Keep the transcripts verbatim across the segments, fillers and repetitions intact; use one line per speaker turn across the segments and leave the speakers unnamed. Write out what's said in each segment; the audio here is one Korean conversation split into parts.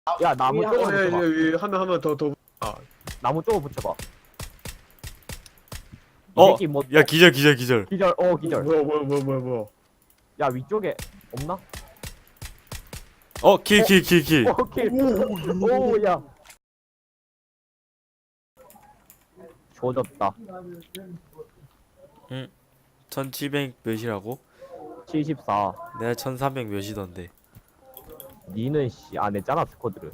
야 나무
위에
쪽으로
한-
어, 예,
붙여봐.
예, 예, 하면 하면 더 더. 아,
나무 쪽으로 붙여봐. 이
어,
새끼 뭐
야 기절 기절 기절.
기절 어 기절.
뭐야 뭐야 뭐야 뭐야 뭐야.
야 위쪽에 없나?
어, 킬 킬 킬 킬.
오케이. 오야. 조졌다.
천칠백 몇이라고?
칠십사.
내가 천삼백 몇이던데.
니는 씨 안 했잖아 스쿼드를.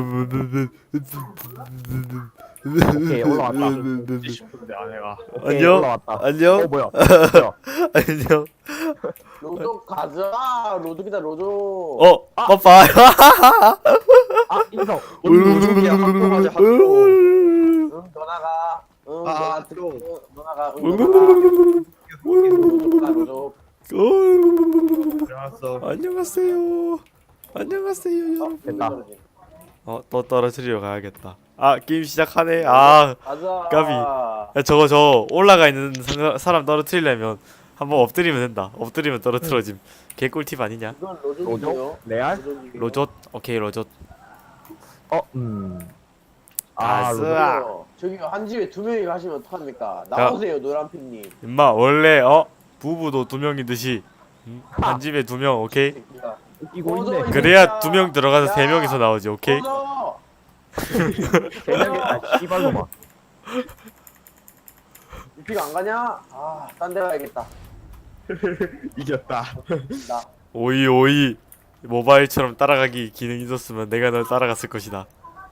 오케이 올라왔다.
싶은데 안 해가.
오케이,
안녕?
올라왔다.
안녕?
어 뭐야? 뭐야?
안녕.
로조 가자. 로조기다 로조.
어, 빠빠.
아 인성.
로족이야 학교 가자 학교.
응, 너 나가. 응,
아,
너
학교.
응, 너 나가. 응, 너 나가. 로조기다 로조.
알았어.
안녕하세요. 안녕하세요, 여러분.
됐다.
어, 또 떨어뜨리러 가야겠다. 아, 게임 시작하네. 아,
가자.
까비. 야, 저거 저 올라가 있는 사- 사람 떨어뜨리려면 한번 엎드리면 된다. 엎드리면 떨어뜨려짐. 개꿀팁 아니냐?
이건
로조?
로조기요.
레알?
로조? 오케이, 로조.
어 음. 아
아스.
로조.
저기요. 저기요. 한 집에 두 명이 가시면 어떡합니까? 나오세요, 노란핀님.
임마, 원래 어 부부도 두 명이듯이 음? 한 집에 두 명, 오케이?
새끼가.
웃기고
로조,
있네.
이
그래야
새끼야.
두 명 들어가서
야.
세 명이서 나오지, 오케이?
로조.
세 명이 아 씨발로마.
유피가 안 가냐? 아, 딴 데 가야겠다.
이겼다.
나.
오이 오이 모바일처럼 따라가기 기능 있었으면 내가 널 따라갔을 것이다.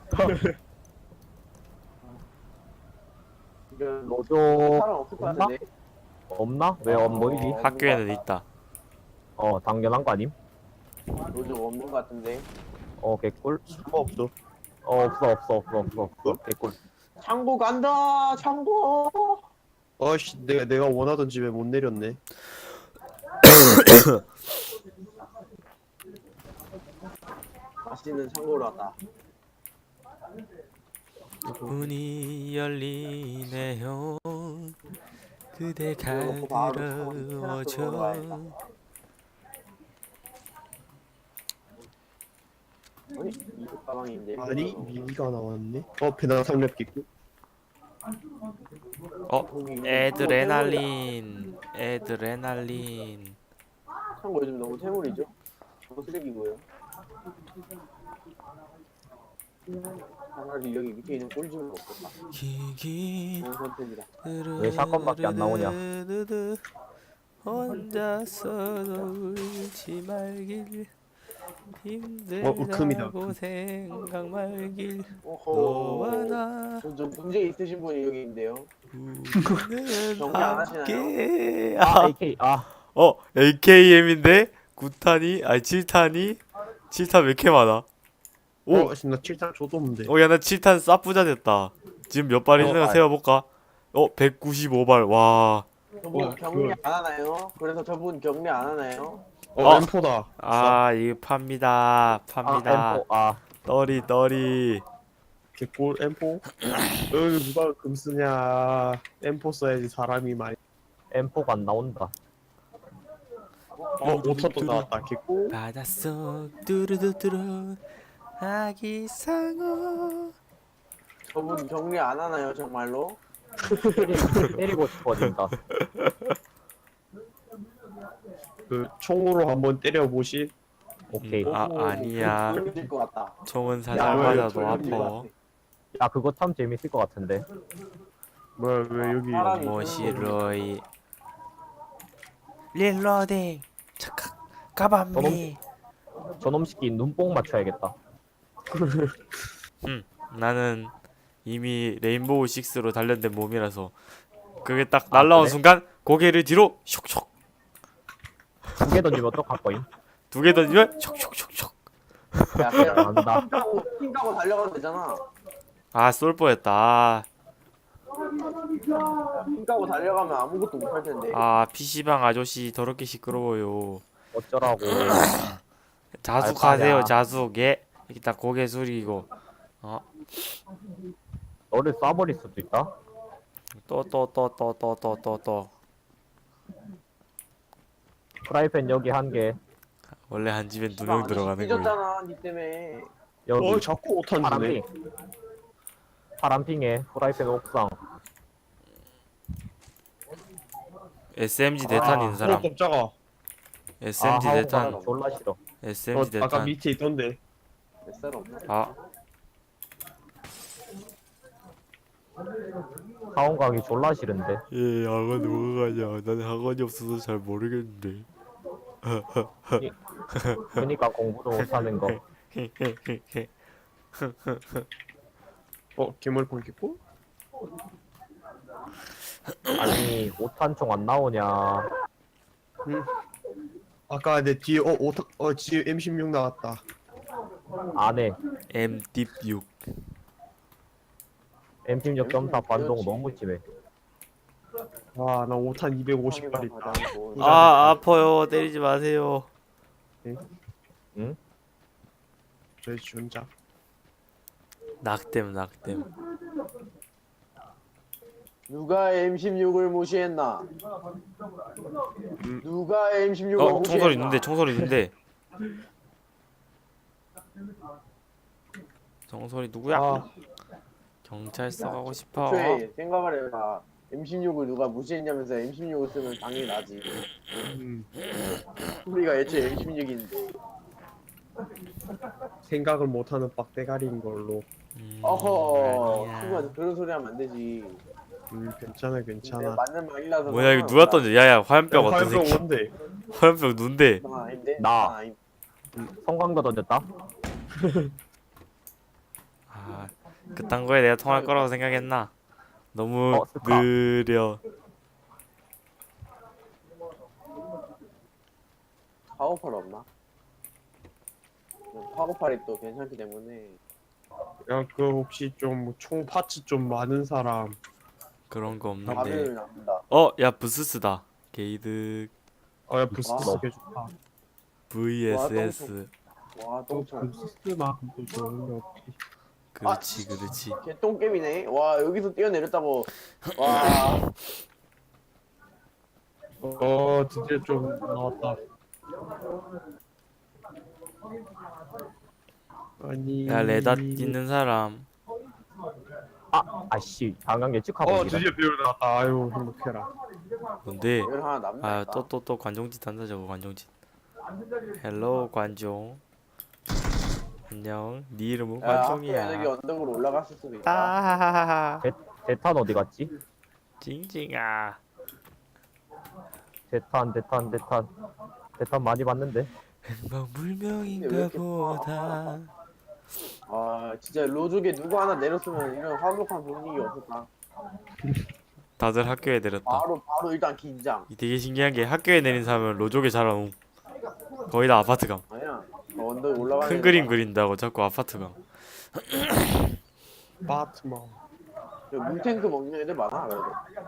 이건
로조
사람 없을 것
없나?
같은데.
없나? 왜 안 보이지?
어.
학교에는 있다.
어 당연한 거 아님?
로조 없는 것 같은데.
어 개꿀.
뭐 없어.
어 없어 없어 없어 없어 없어 개꿀.
창고 간다. 창고.
어씨 내가 내가 원하던 집에 못 내렸네.
맛있는 창고로 왔다.
문이 열리네요. 그대
그래놓고 바로 테라스로
가들어오죠.
올라가야겠다. 아니 이거 가방인데.
아니 미미가 나왔네. 어 배낭 삼렙 끼고.
어, 에드레날린, 에드레날린.
창고 요즘 너무 퇴물이죠? 너무 쓰레기고요. 차라리 여기 밑에 있는 꿀집을 먹겠다.
기기.
좋은 선택이다.
왜 샷건밖에 안 나오냐?
혼자서도 울지 말길.
어, 으큼이다,
힘들다고
으큼.
생각 말길. 너와
오호.
나
좀, 좀 문제 있으신 분이 여기 있는데요.
우리는
정리 안 하시나요?
함께.
아
아,
에이케이 아
어, 에이케이엠인데 구 탄이 아니 칠 탄이 칠 탄 왜 이렇게 많아? 오,
어, 나 칠탄 줘도 없는데.
어, 야, 나 칠 탄 쌉부자 됐다. 지금 몇 발 있는가
발.
세어볼까? 어, 백구십오 발. 와.
저분
어,
격리
그-
안 하나요? 그래서 저분 격리 안 하나요?
어
어.
엠포다.
아, 이거 팝니다. 팝니다.
아 엠포 아
떠리, 떠리.
개꿀 엠포. 여기 누가 금 쓰냐. 엠포 써야지 사람이 많이.
엠포가 안 나온다.
어 오천도 나왔다. 개꿀.
바닷속 뚜루두뚜루 아기상어.
저분 격리 안 하나요 정말로?
때리- 때리고 싶어진다.
그 총으로 한번 때려 보시.
오케이.
음, 아,
오호,
아니야.
그럴 것 같다.
총은
야,
살살
왜,
맞아도
왜,
아파.
야 그거 참 재밌을 것 같은데.
뭐야 왜 여기.
사람이
모시로이 릴로딩 착각 가밤미.
저놈 새끼 눈뽕 맞춰야겠다.
음, 나는 이미 레인보우 식스로 단련된 몸이라서 그게 딱 날라온
그래?
순간 고개를 뒤로 슉슉
두 개 던지면 또 갈거임.
두 개 던지면 슉슉슉슉.
야 그냥
잘한다.
핑 까고 핑 까고 달려가면 되잖아.
아, 쏠 뻔했다.
야, 핑 까고 달려가면 아무것도 못 할 텐데.
아, 피시방 아저씨 더럽게 시끄러워요.
어쩌라고.
자숙하세요,
알바냐.
자숙. 예. 이렇게 딱 고개 숙이고. 어,
너를 쏴버릴 수도 있다.
또 또 또 또 또 또 또 또.
프라이팬 여기 한 개.
원래 한 집엔 두 명 들어가는 거야.
삐졌잖아 니 때문에.
여기
어 자꾸 오탄 주네.
파란핑 파란핑에 프라이팬 옥상.
에스엠지 대탄 있는
어
사람.
깜짝아.
에스엠지
아,
대탄.
하우가 졸라 싫어.
어,
에스엠지
아까
대탄.
밑에 있던데.
뱃살 없나?
아,
하원 가기 졸라 싫은데.
예, 학원 누가 가냐? 나는 학원이 없어서 잘 모르겠는데.
그니까 공부도 못하는 거.
어 괴물 공기고?
아니 오탄총 안 나오냐.
아까 내 뒤에 어 오탄 어 뒤에 엠 십육 나왔다.
안에
엠 딥 육.
엠 십육 점사 반동 너무 심해.
와 나 오탄 이백오십 발 있다.
아, 아파요. 때리지 마세요.
응?
저희 준자.
낙댐, 낙댐.
누가 엠 십육을 무시했나?
음.
누가 엠 십육을
어,
무시했나?
총소리 있는데, 총소리 있는데. 총소리 누구야?
아
경찰서 가고 싶어.
애초에 생각을 해봐. 엠 십육을 누가 무시했냐면서 엠 십육을 쓰면 당연히 나지.
음,
우리가 애초에 엠 십육인데.
생각을 못하는 빡대가리인 걸로.
음,
어허,
아니야.
친구한테 그런 소리 하면 안 되지.
음 괜찮아
내가
괜찮아.
맞는 말이라서.
뭐야, 이거 누가 던져? 야야, 화염병 어떤
화염병
새끼?
뭔데?
화염병 눈데.
나 아닌데?
나.
아닌-
성광도 던졌다.
아, 그딴 거에 내가 통할 거라고 생각했나? 너무
어, 스카.
느려.
파워팔 없나? 파워팔이 또 괜찮기 때문에.
야 그 혹시 좀 총 파츠 좀 많은 사람.
그런 거 없는데.
화면을 남긴다.
어, 야, 부스스다. 게이드
어야 부스트
와.
쓰게 좋다.
브이에스에스.
와,
또
똥총.
부스트만도 좋은 게 없지.
그렇지, 그렇지.
개똥겜이네. 와, 여기서 뛰어내렸다고. 와,
어 드디어 좀 나왔다. 아니.
야, 레다 있는 사람.
아 아씨 방금 예측하고
어
있네.
드디어 비올 나왔다. 아유 행복해라.
뭔데?
열 하나 남는다.
아, 또 또 또 관종짓 한다 저거 관종짓. 헬로 관종. 안녕. 네 이름은
야, 학교에 저기
관종이야.
언덕으로 올라갔을 수도 있다.
따하하하.
대탄 어디 갔지?
징징아.
대탄 대탄 대탄 대탄 많이 봤는데.
행방불명인가 보다.
아, 진짜 로족에 누구 하나 내렸으면 이런 화목한 분위기 없었다.
다들 학교에 내렸다.
바로, 바로 일단 긴장.
이 되게 신기한 게 학교에 내린 사람은 로족에 자라옴. 거의 다 아파트 감.
아니야. 저 언덕 올라가는
큰 그림 그린다고 자꾸 아파트 감.
바트만.
물탱크 먹는 애들 많아, 그래도.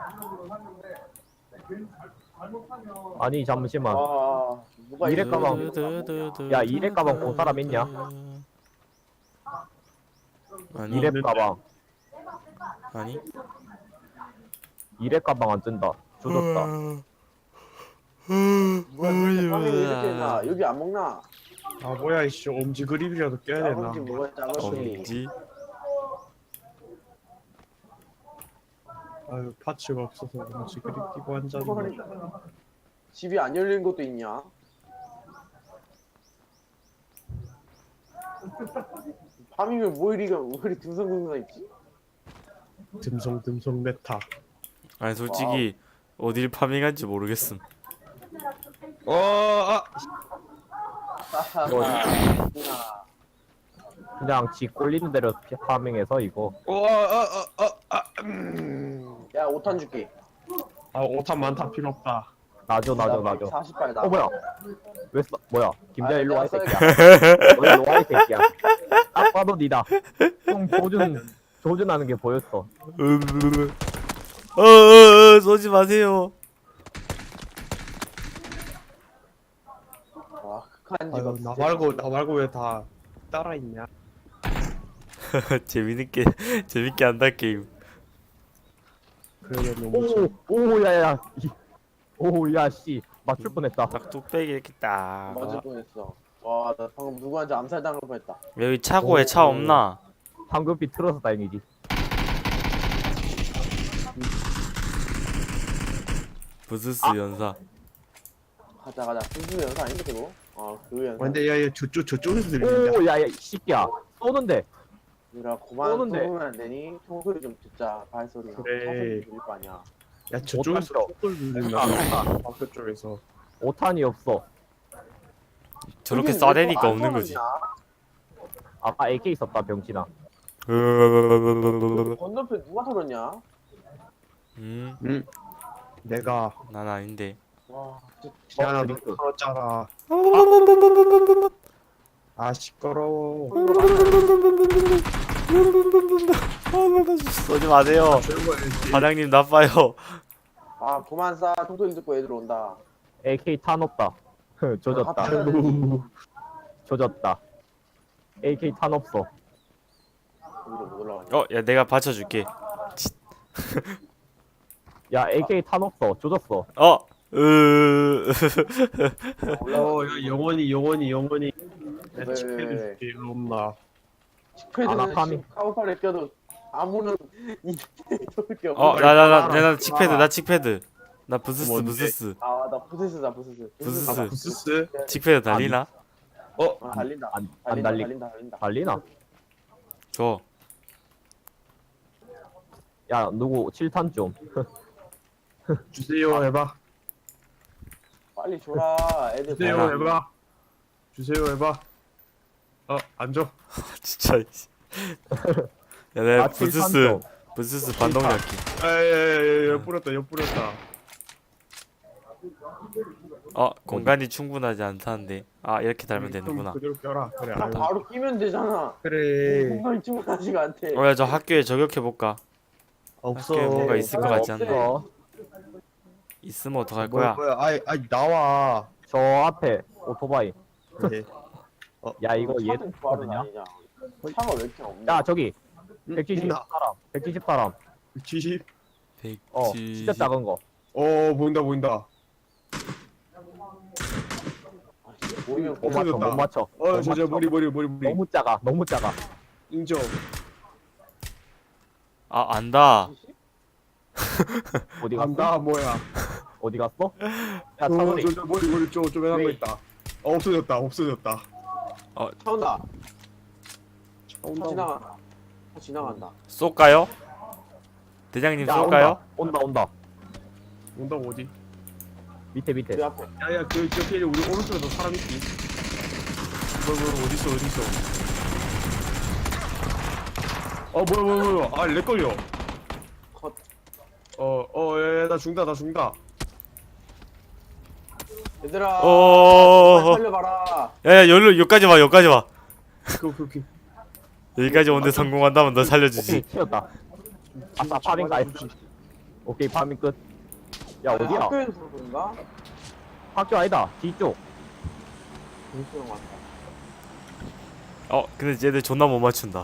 아니 잠시만.
와, 누가
이래
이래
가방. 야, 이랩 가방 본 사람 있냐?
아니,
이랩 가방
아니.
이랩 가방 안 뜬다. 조졌다.
누가 이렇게 파밍을 이렇게 했나? 여기 안 먹나?
아 뭐야 이씨 엄지 그립이라도 껴야 되나?
작은지 뭐가 작은지.
엄지.
아유 파츠가 없어서 엄지 그립 끼고 앉았네.
집이 안 열린 것도 있냐? 파밍을 뭐 이리가 뭐 이리 듬성듬성했지?
듬성듬성 메타.
아니 솔직히 어딜 파밍한지 모르겠음.
어, 아,
하하하.
그냥 지 꼴리는 대로 피- 파밍해서 이거.
어, 어, 어, 어, 아, 음.
야, 오탄 줄게.
아, 오탄 많다 필요 없다.
나줘 나줘 나줘.
사십 발 나.
어 뭐야? 왜 써? 뭐야? 김자
아,
일로 와 이
내가
새끼야. 너 일로 와 이 새끼야. 딱 봐도 니다. 형 조준 조준하는 게 보였어.
어어어 쏘지 마세요.
와, 극한
아유,
직업.
나 말고 나 말고 왜 다 따라 있냐?
재밌게 재밌게 한다 게임.
그래 너무 좀
오오 야야. 오야 씨 맞출 뻔했다.
딱 뚝배기 이렇게 딱.
맞을 뻔했어. 와, 나 방금 누구한테 암살당할 뻔했다.
여기 차고에 차
오.
없나?
황급히 틀어서 다행이지.
부스스
아.
연사.
가자, 가자. 무슨 연사 아닌데, 그거? 어, 그 연사.
근데 야야 저쪽 저쪽에서 들린다.
오, 야야, 이 새끼야. 쏘는데.
얘들아, 그만
쏘는데.
쏘면 안 되니? 총소리 좀 듣자, 발소리.
그래.
차소리 들릴 거 아니야.
야 저쪽에서
못
촛불 들린다.
아,
학교 쪽에서.
오탄이 없어.
저렇게
여긴 왜
쏴대니까
또안
없는 거지.
쏘느냐?
아까 에이케이 있었다, 병신아.
건너편 누가 털었냐?
음,
응. 내가
난 아닌데.
와, 진짜
지하나 너
그니까.
털었잖아. 아 시끄러워.
쏘지 마세요.
조용해야지.
과장님 나빠요.
아, 그만 쏴. 총소리 듣고 애들 온다.
에이케이 탄 없다. 조졌다.
갑자기.
아이고.
조졌다. 에이케이 탄 없어.
여기로 못 올라가냐?
어, 야 내가 받쳐줄게.
야, 에이케이 탄 없어. 조졌어.
어, 으.
어, 야, 영원히 영원히 영원히.
왜,
야,
왜,
집회도
왜?
줄게 일로 온나.
칙패드는
아나카미.
카우팔에 껴도 아무런 이 좋을 게 없어.
어, 나 나 나 나 칙패드, 나 칙패드. 나 부스스
뭔데?
부스스.
아, 나 부스스다, 부스스.
부스스.
아 부스스.
칙패드 달리나?
어
아, 달린다.
안, 안
달린다,
달리,
달린다, 달린다.
달리나?
줘.
야, 누구 칠 탄 좀.
주세요 해봐.
빨리 줘라. 애들
주세요
내가-
해봐. 주세요 해봐. 어 앉아.
진짜. 야, 내가
아, 칠 탄
부스스
좀.
부스스 반동력기.
아야야야 엿 뿌렸다 엿 뿌렸다.
어, 공간이 충분하지 않다는데. 아, 이렇게 달면
좀
되는구나.
그대로 껴라. 그래
아,
알고.
바로 끼면 되잖아.
그래.
공간이 충분하지가 않대.
어, 야, 저 학교에 저격해 볼까?
없어.
학교에 뭔가 있을 것 같지 않나?
없어.
있으면 어떡할
뭐야
거야?
뭐야. 아이 아이 나와.
저 앞에 오토바이.
네.
야, 이거 얘
차도 바로
거든요.
다니냐. 차가 왜 이렇게 없냐?
야, 저기
응,
백칠십
있나?
사람. 백칠십 사람.
칠십.
어, 진짜 작은 거.
어 보인다 보인다.
아, 진짜 보이면
못 맞춰,
없어졌다.
못 맞춰. 못
어 저저
맞춰.
머리 머리 머리 머리.
너무 작아, 너무 작아.
인정.
아, 안다.
어디 갔어?
간다 뭐야.
어디 갔어? 야,
어,
차소리.
저, 저 머리 머리 좀좀 해놓은 거
왜?
있다. 어, 없어졌다 없어졌다.
차 온다. 차
온다.
지나간다. 차 지나간다.
쏠까요? 대장님
야,
쏠까요?
온다, 온다, 온다.
온다고 어디?
밑에, 밑에.
그 앞에.
야야 그 저기 우리 오른쪽에도 사람 있지. 뭐 뭐 어디 있어 어디 있어. 어 뭐야 뭐야 뭐야. 아렉 걸려.
컷.
어어야나 죽다 나 죽다.
얘들아.
어.
빨리 살려봐라.
야, 야, 여기로 여기까지 와, 여기까지 와.
그 그 그.
여기까지 오는데 성공한다면 너
오케이,
살려주지.
튀었다. 아싸, 파밍 가있어. 오케이, 파밍 끝. 야, 어디야?
학교에서 그런가?
학교 아니다. 뒤쪽.
그런 거 같다.
어, 근데 얘들 존나 못 맞춘다.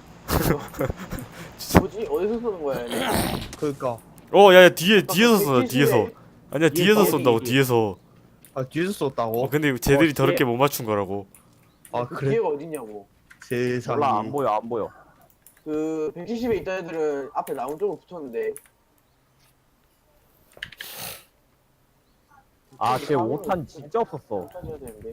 뭐지? 어디서 쏘는 거야, 얘네?
그니까.
어, 야, 야, 뒤에 뒤에서 쏜다,
백칠십에
뒤에서. 아니야, 뒤에서
뒤에
쏜다고,
뒤에.
뒤에서.
아 뒤에서 썼다고?
어, 근데 쟤들이
어,
더럽게
뒤에.
못 맞춘 거라고.
아
그
그래?
기회가 어딨냐고.
세상에.
몰라, 안 보여, 안 보여.
그 백칠십에 있던 애들은 앞에 나온 쪽으로 붙었는데.
아, 쟤 오 탄 진짜 없었어.
못하셔야 되는데.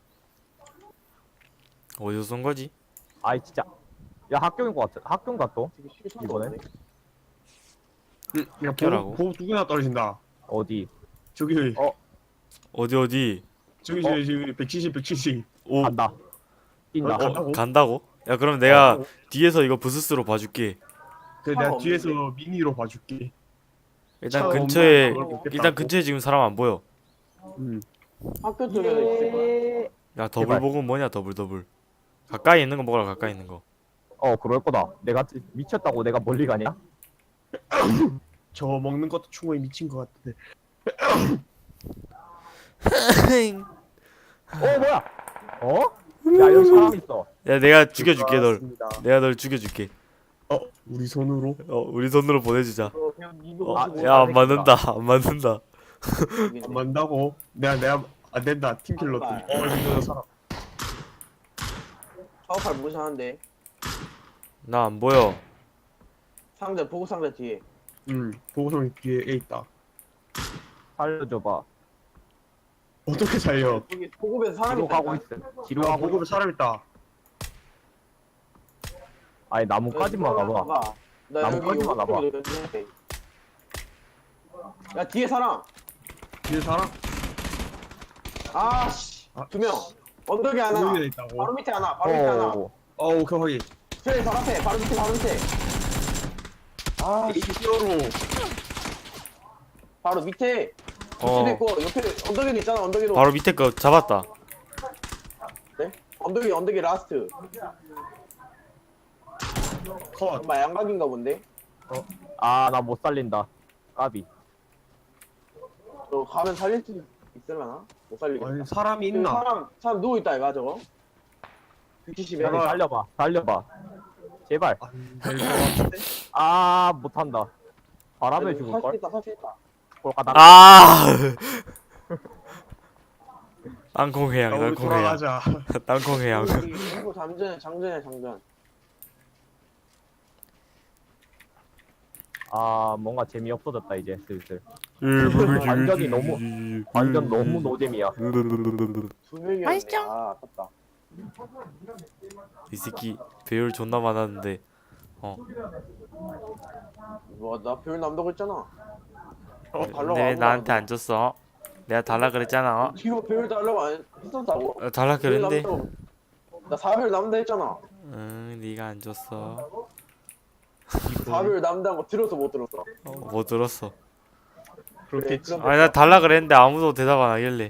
어디서 쏜 거지?
아이, 진짜. 야, 학교인 것 같아. 학교인가 또?
되게 쉽게 쏜
이번에?
거네.
응, 야
학교라고?
보고 두 개나 떨어진다.
어디?
저기
어.
어디 어디?
저기
어?
저기 저기 백칠십 백칠십.
오,
간다. 뛴다.
어,
간다고?
간다고? 야, 그럼 내가
어.
뒤에서 이거 부스스로 봐줄게.
그래
차가
내가
없는데?
뒤에서 미니로 봐줄게.
일단
차
근처에
없나? 그걸
일단 근처에 지금 사람 안 보여.
음.
학교 쪽에 있을 거야.
야, 더블
제발.
복은 뭐냐, 더블 더블. 가까이 있는 거 먹어라, 가까이 있는 거.
어, 그럴 거다. 내가 미쳤다고 내가 멀리 가냐?
저 먹는 것도 충분히 미친 것 같은데.
어, 뭐야? 어? 야, 여기 사람 있어.
야, 내가 죽여줄게 널.
알았습니다.
내가 널 죽여줄게.
어 우리 손으로?
어, 우리 손으로 보내주자.
어, 그냥 이거
아,
가지고
야, 안
생겼다.
맞는다, 안 맞는다.
오겠네.
안 만다고? 내가 내가 안 된다 팀킬러들.
아,
어 이거 사람.
파워팔 무시하는데.
나 안 보여.
상자 보급 상자 뒤에.
응 보고서 뒤에 애 있다.
살려줘봐.
어떻게 살려?
여기 보급에서 사람이
뒤로
있다.
가고 있어. 뒤로
야
가고.
보급에 사람 있다.
아니 나무까지만 가봐.
가봐. 나 여기
나무까지만 가봐.
오른쪽에 있는데. 야 뒤에 사람.
뒤에 사람?
아씨.
아,
두 명. 언덕에 하나.
여기에 있다고.
바로 밑에 하나. 바로 밑에 하나.
어.
어 오케이 확인.
저기 바로 앞에. 바로 밑에 바로 밑에. 아 씨.
히어로.
바로 밑에.
어.
밑에도 있고 옆에 언덕에도 있잖아. 언덕에도.
바로 밑에 거 잡았다.
네? 언덕이 언덕이 라스트.
컷.
엄마 양각인가 본데.
아 나 못 살린다. 까비.
너 가면 살릴 수 있을라나? 못 살리겠다.
아니 사람이
저기
있나?
사람 사람 누워 있다 이거 저거. 백칠십에.
빨리 살려봐. 살려봐. 제발.
안될것 같은데?
아 못한다. 바람에 죽을
살수
걸.
있다 살수 있다.
꼴까다.
아! 땅콩해양,
야 우리
땅콩해양.
돌아가자.
땅콩해양.
이거 장전해 장전해 장전.
아 뭔가 재미 없어졌다 이제 슬슬.
완전히
완전히 너무 완전 너무 노잼이야.
두 명이었네.
맛있죠?
아 아깝다.
이 새끼 배율 존나 많았는데
뭐나 배울 남다고 했잖아.
어,
달라고
근데 왜
안
나한테
하고.
안 줬어? 내가 달라 그랬잖아.
뒤로 배울 달라고 안 했었다고.
어, 달라
배울
그랬는데.
남다고. 나 사 배울 남다 했잖아.
응, 네가 안 줬어.
사 배울 남다는 거 들었어 못 들었어.
어, 못 들었어.
그렇겠지.
그럼
아니 나 달라 그랬는데 아무도 대답 안 하길래.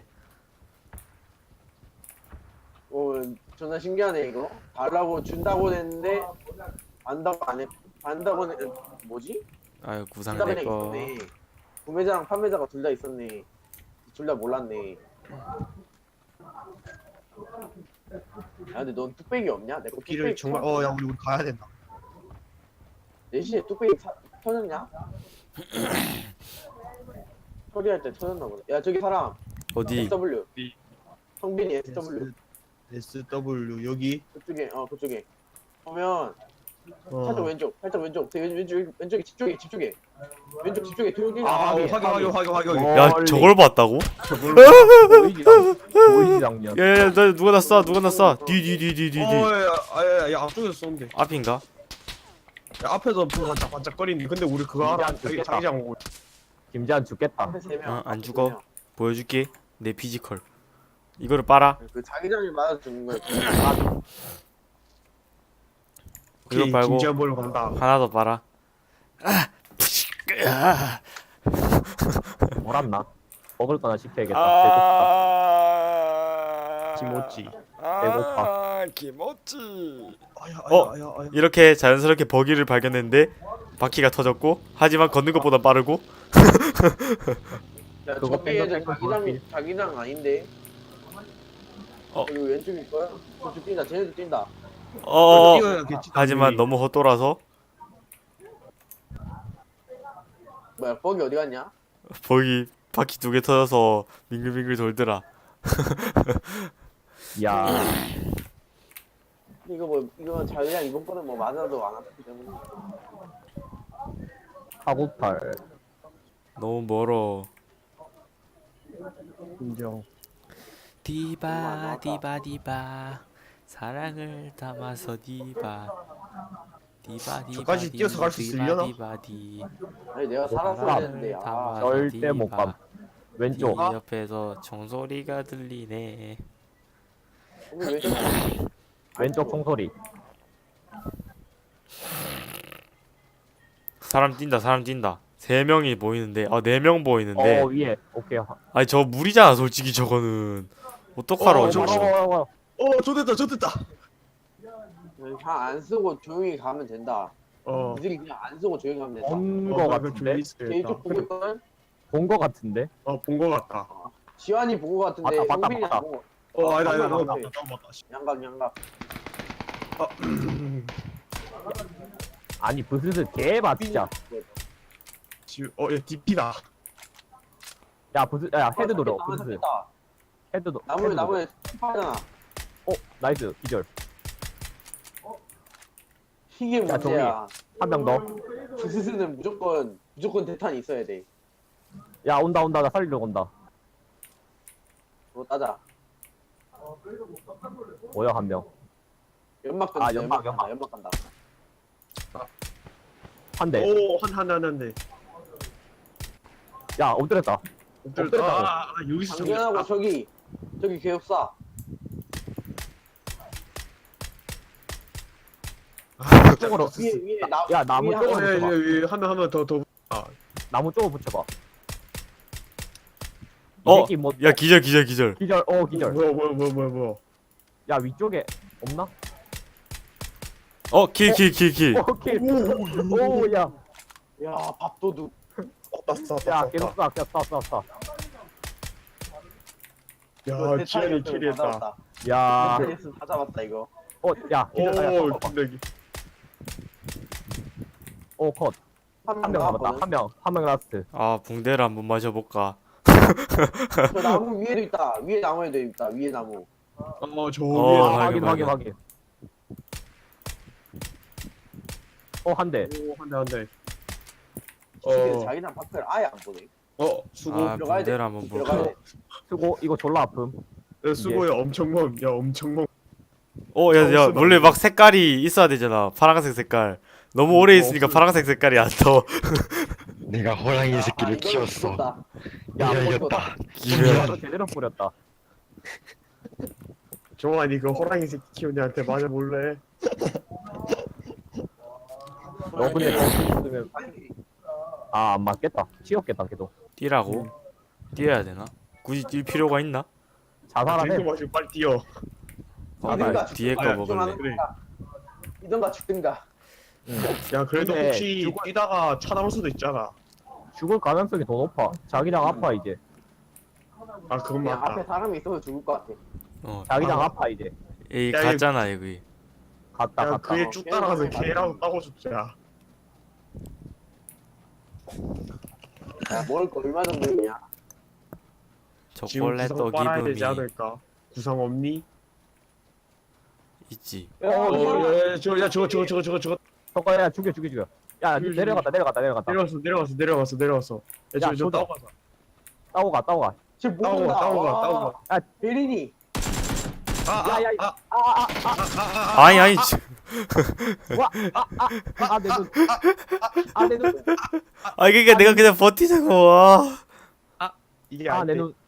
어 존나 신기하네 이거. 달라고 준다고 했는데 안다고 안 해. 안다고 해. 뭐지?
아유 구상
둘다 그냥
내꺼.
있었네. 구매자랑 판매자가 둘 다 있었네. 둘 다 몰랐네. 야 근데 넌 뚝배기 없냐? 내거
길을
뚝배기
정말 어야 우리 우리 가야 된다.
네 시에 뚝배기 사, 터졌냐? 처리할 때 터졌나 보네. 야 저기 사람
어디?
에스더블유.
어디?
성빈이 에스더블유.
에스더블유 여기.
그쪽에 어 그쪽에 보면
어.
살짝 왼쪽 살짝 왼쪽 왼, 왼쪽 왼쪽에 집 쪽에 집 쪽에 왼쪽 집 쪽에 들어오기
아 확인 확인 확인 확인 확인.
어.
야
멀리.
저걸 봤다고?
보이지 보이지 장면.
야야 너 누가 났어? 누가 났어? 뒤뒤뒤뒤뒤
어야야야 앞쪽에서 쏘는데.
앞인가?
야, 앞에서 반짝반짝거리는데 근데 우리 그거 알아?
진짜
여기
좋겠다.
자기장 오고.
김재한 죽겠다.
앞에 세 명.
어, 안 죽어. 보여줄게 내 피지컬. 이거를 빨아.
그 자기장이 맞아 죽는 거야.
이거
오케이
빨고
김지한 보러 간다.
하나 더 빨아. 아,
뭐랐나? 먹을 거나 시켜야겠다.
아,
김오찌.
아, 김오찌.
아야
어?
아야 아야 아야.
이렇게 자연스럽게 버기를 발견했는데 바퀴가 터졌고 하지만 걷는 것보다 빠르고.
야
그거
저기 애들
뺑글뺑글
자기장
돌핀.
자기장 아닌데.
어.
여기 왼쪽일 거야? 저쪽 뛴다. 쟤네도 뛴다.
어.
뛰어야겠지,
하지만
당연히.
너무 헛돌아서
뭐야 버기 어디 갔냐?
버기 바퀴 두 개 터져서 빙글빙글 돌더라.
야
이거 뭐 이거 자기장 이번 거는 뭐 맞아도 안 아프기 때문에.
카고팔.
너무 멀어.
인정.
디바 디바 디바 사랑을 담아서 디바 디바 디바
저까지 뛰어서 갈수 있으려나?
디바 디
아니 내가 살았어야 되는데. 아
절대 못 감. 왼쪽.
디 옆에서 종소리가 들리네.
오늘 왼쪽.
왼쪽 총소리.
사람 뛴다 사람 뛴다. 세 명이 보이는데 아 네 명 보이는데
어 위에. 오케이.
아니 저 무리잖아 솔직히 저거는. 어떡하러
어,
저거.
저거.
어, 어, 어.
어 좋됐다 좋됐다.
안 쓰고 조용히 가면 된다.
어.
니들이 그냥 안 쓰고 조용히 가면 된다.
본거
어,
같은데?
제이쪽 보고 있거든?
본거 같은데?
어본 거 같다.
지환이 본 거 같은데
맞다, 맞다,
성빈이
맞다.
안 본 거.
어 아니다 아니다 너무
맞다.
맞다 너무 맞다.
양각 양각.
아,
아니 브스스 개봐 진짜.
지금 어야 디피다.
야 브스 야 헤드 돌려.
아,
브스스.
잡혔다.
헤드 도.
나무에 나무에 스파잖아.
어 나이스 기절.
이게
야, 저기.
문제야.
한 명 더.
부스스는 무조건 무조건 대탄이 있어야 돼.
야 온다 온다 나 살리러 온다.
그거 따자.
뭐야 한 명.
연막
아,
던져.
연막,
연막 간다.
연막.
연막 간다.
한 대.
오한한한 대.
야 엎드렸다. 엎드렸다고.
아, 아 여기서 저기.
당연하고
아,
저기 저기 개업사.
쪽으로.
위에 위에 나.
야, 나무
위에 한
쪽으로
명.
붙여봐.
예예예한명한명더더
나무 쪽으로 붙여봐. 이
어,
새끼 뭐
야 기절 기절 기절.
기절 어 기절.
뭐야 뭐야 뭐야 뭐야 뭐야.
야 위쪽에 없나?
어, 킬 킬 킬 킬.
오케이. 오야.
야 밥도둑.
쐈다 쐈다
야
쐈다.
계속 쏴 계속 쏴 쏴 쏴.
그거
야 지현이
대탄이었으면
킬했다.
다 잡았다.
야.
대탄이었으면 다 잡았다 이거.
어야 기절. 야,
오
컷, 컷, 컷.
근데
오 컷. 한 명 남았다. 한 명. 한 명 라스트.
아, 붕대를 한번 마셔볼까.
저 나무 위에도 있다. 위에 나무에도 있다. 위에 나무.
어저
어,
위에
아,
확인,
확인 확인
확인.
확인. 어 한 대.
오한대한대.
근데
어.
자기랑 밖을 아예 안 보네.
어 수고.
아,
들어가야 돼.
붕대를 한번
들어가야
볼까.
돼.
수고 이거 졸라 아픔.
야, 수고야 엄청 먼. 야 엄청 먼.
어, 야, 야,
없으면
원래
안 돼.
막 색깔이 있어야 되잖아. 파란색 색깔. 너무 오래
어,
있으니까
없으면-
파란색 색깔이 안 떠.
내가 호랑이
아,
새끼를
이거는
키웠어.
무섭다.
야
내가
뭐,
이겼다.
기절.
이거 제대로 뿌렸다.
종환이 그 호랑이 새끼 키우는 애한테 맞아 볼래?
너 근데 있으면 아안 맞겠다. 치웠겠다 걔도.
뛰라고? 뛰어야 되나? 굳이 뛸 필요가 있나?
자살하네.
들고 마시고 빨리 뛰어.
아,
아,
나 뒤에 거
아,
먹을래.
그래.
이던가 죽든가.
야 그래도
근데
혹시
죽어-
뛰다가 차 나올 수도 있잖아.
죽을 가능성이 더 높아. 자기장 아파 이제.
아 그건
그냥 앞에
맞다.
사람이 있어서 죽을 것 같아.
어,
자기장
아.
아파 이제.
에이,
야,
갔잖아, 여기.
갔다
야
갔다.
그에 쭉 따라가서 개라도 따고 죽자.
야, 먹을 거 얼마 정도 있냐?
지금
초콜릿
구상
떡
빨아야
기분이
되지 않을까? 구상 없니?
있지.
야,
어,
야,
야 저거 야 저거 저거 저거 저거 저거
저거 야 죽여 죽여 죽여. 야
죽여,
내려갔다 내려갔다 내려갔다.
내려갔어 내려갔어 내려갔어 내려갔어. 야
야,
저거 저
조져.
따고 가자.
따고 가 따고 가.
지금
따고
모른다.
가 따고 가
와,
따고 가.
베린이.
아,
야, 야,
아,
아아아아아내
아니, 아니, 지-
눈. 아 내 눈.
아, 그니까 내가 그냥 버티자고, 와.
이게
아
안
내
돼.
눈.